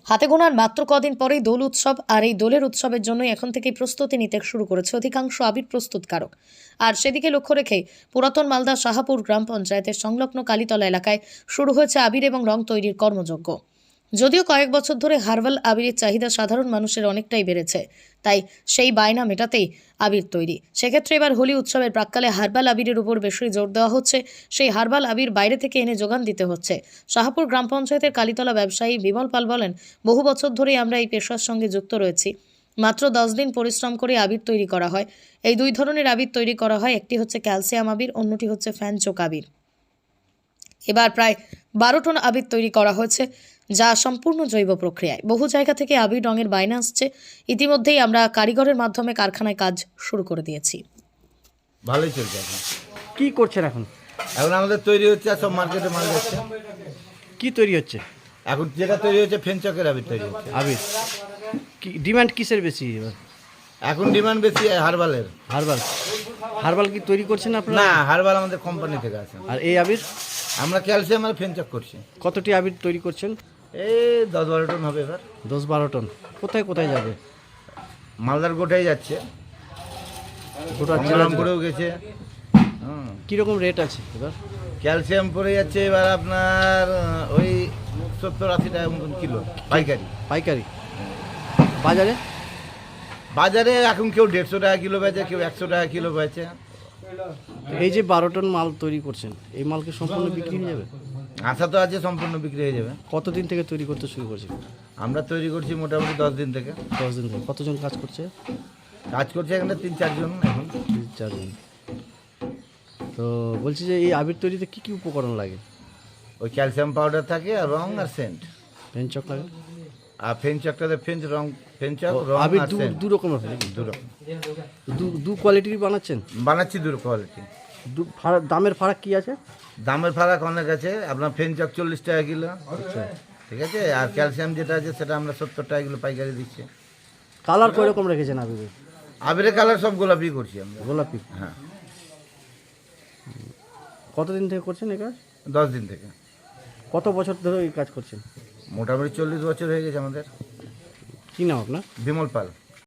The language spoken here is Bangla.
হাতে গোনার মাত্র কদিন পরেই দোল উৎসব, আর এই দোলের উৎসবের জন্য এখন থেকেই প্রস্তুতি নিতে শুরু করেছে অধিকাংশ আবির প্রস্তুতকারক। আর সেদিকে লক্ষ্য রেখে পুরাতন মালদা শাহাপুর গ্রাম পঞ্চায়েতের সংলগ্ন কালীতলা এলাকায় শুরু হয়েছে আবির এবং রং তৈরির কর্মযজ্ঞ। যদিও কয়েক বছর ধরে হার্বাল আবিরের চাহিদা সাধারণ মানুষের অনেকটাই বেড়েছে, তাই সেই বায়না মেটাতেই আবির তৈরি। সেক্ষেত্রে এবার হোলি উৎসবের প্রাক্কালে হার্বাল আবিরের উপর বেশি জোর দেওয়া হচ্ছে। সেই হার্বাল আবির বাইরে থেকে এনে যোগান দিতে হচ্ছে। শাহাপুর গ্রাম পঞ্চায়েতের কালীতলা ব্যবসায়ী বিমল পাল বলেন, বহু বছর ধরেই আমরা এই পেশার সঙ্গে যুক্ত রয়েছি। মাত্র 10 দিন পরিশ্রম করে আবির তৈরি করা হয়। এই দুই ধরনের আবির তৈরি করা হয়, একটি হচ্ছে ক্যালসিয়াম আবির, অন্যটি হচ্ছে ফ্যানচোক আবির। এবার প্রায় 12 টন আবির তৈরি করা হয়েছে, যা সম্পূর্ণ জৈব প্রক্রিয়ায়। বহু জায়গা থেকে আবির রঙের বায়না আসছে। ইতিমধ্যেই আমরা কারিগরের মাধ্যমে কারখানায় কাজ শুরু করে দিয়েছি। ভালোই চলছে এখন। কি করছেন এখন? এখন আমাদের তৈরি হচ্ছে, আর সব মার্কেটে মাল যাচ্ছে। কি তৈরি হচ্ছে? এখন যেটা তৈরি হচ্ছে ফেনচকের আবির তৈরি হচ্ছে। আবির কি ডিমান্ড কিসের বেশি এবার? এখন ডিমান্ড বেশি হার্বালের। হার্বাল। হার্বাল কি তৈরি করছেন আপনারা? না, হার্বাল আমাদের কোম্পানি থেকে আছে। আর এই আবির আমরা ক্যালসিয়াম আর ফেনচক করছি। কতটি আবির তৈরি করছেন? এই 10-12 টন হবে এবার। 10-12 টন। কোথায় কোথায় যাবে? মালদার গোটাই যাচ্ছে, গোটা গঙ্গারামপুরেও গেছে। কীরকম রেট আছে এবার? ক্যালসিয়াম পড়ে যাচ্ছে এবার আপনার ওই 70-80 টাকা মতন কিলো পাইকারি। পাইকারি। বাজারে? বাজারে এখন কেউ 150 টাকা কিলো বেচে, কেউ 100 টাকা কিলো বেচে। এই যে 12 টন মাল তৈরি করছেন, এই মাল কি সম্পূর্ণ বিক্রি হয়ে যাবে? আশা তো আছে সম্পূর্ণ বিক্রি হয়ে যাবে। কতদিন থেকে তৈরি করতে শুরু করছেন? আমরা তৈরি করছি মোটামুটি 10 দিন থেকে। 10 দিন থেকে। কতজন কাজ করছে? কাজ করছে এখানে 3-4 জন এখন। 4 জন। তো বলছি যে এই আবির তৈরিতে কি কি উপকরণ লাগে? ওই ক্যালসিয়াম পাউডার থাকে আর রং আর সেন্ট। পেনচক লাগে? আর ফেনচকটাতে ফেনচক রং আবির আর সেন্ট দু রকমের হয় নাকি? দু রকম দু কোয়ালিটির বানাচ্ছেন? বানাচ্ছি, দু কোয়ালিটি। দামের ফারাক কি আছে? দামের ফারাক অনেক আছে। আপনার ফেনচক 40 টাকা কিলো, আচ্ছা। ঠিক আছে। আর ক্যালসিয়াম যেটা আছে সেটা আমরা 70 টাকা কিলো পাইকারি দিচ্ছি। কালার কয় রকম রেখেছেন আবিরের? আবিরের কালার সব গোলাপি করছি আমরা। গোলাপি। হ্যাঁ। কতদিন থেকে করছেন এই কাজ? 10 দিন থেকে। কত বছর ধরে এই কাজ করছেন? মোটামুটি 40 বছর হয়ে গেছে আমাদের। কি নাম আপনার? বিমল পাল।